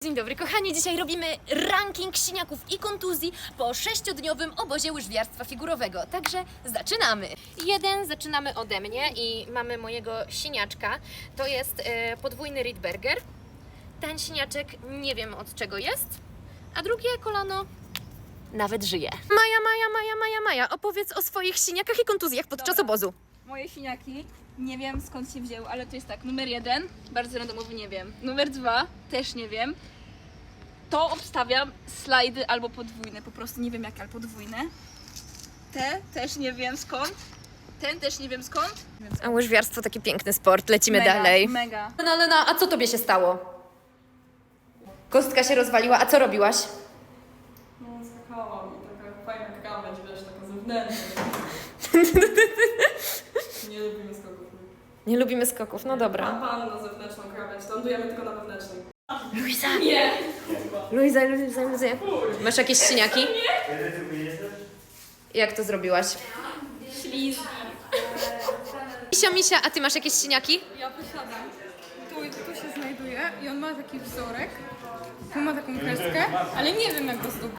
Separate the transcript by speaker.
Speaker 1: Dzień dobry kochani, dzisiaj robimy ranking siniaków i kontuzji po 6-dniowym obozie łyżwiarstwa figurowego, także zaczynamy! Zaczynamy ode mnie i mamy mojego siniaczka, to jest podwójny Rydberger. Ten siniaczek nie wiem od czego jest, a drugie kolano nawet żyje. Maja, opowiedz o swoich siniakach i kontuzjach podczas obozu.
Speaker 2: Moje siniaki, nie wiem skąd się wzięły, ale to jest tak, numer 1, bardzo randomowy, nie wiem. Numer 2, też nie wiem. To obstawiam slajdy albo podwójne, po prostu nie wiem jakie, ale podwójne. Te też nie wiem skąd. Ten też nie wiem skąd.
Speaker 1: A łyżwiarstwo taki piękny sport, lecimy
Speaker 2: Mega,
Speaker 1: dalej.
Speaker 2: mega.
Speaker 1: Lena, a co tobie się stało? Kostka się rozwaliła, a co robiłaś?
Speaker 3: No, skakałam i taka fajna krawędź, wiesz, taka zewnętrzna. Nie lubimy skoków.
Speaker 1: Nie lubimy skoków, no dobra.
Speaker 3: Pan na zewnętrzną krawędź, lądujemy tylko na wewnętrznej.
Speaker 1: Luiza!
Speaker 3: Nie!
Speaker 1: Luiza. Masz jakieś siniaki? Jak to zrobiłaś?
Speaker 2: Ślizgi.
Speaker 1: Misia, a ty masz jakieś siniaki?
Speaker 4: Ja posiadam. Tu się znajduje i on ma taki wzorek. Tu ma taką kreskę, ale nie wiem jak go zdobyć.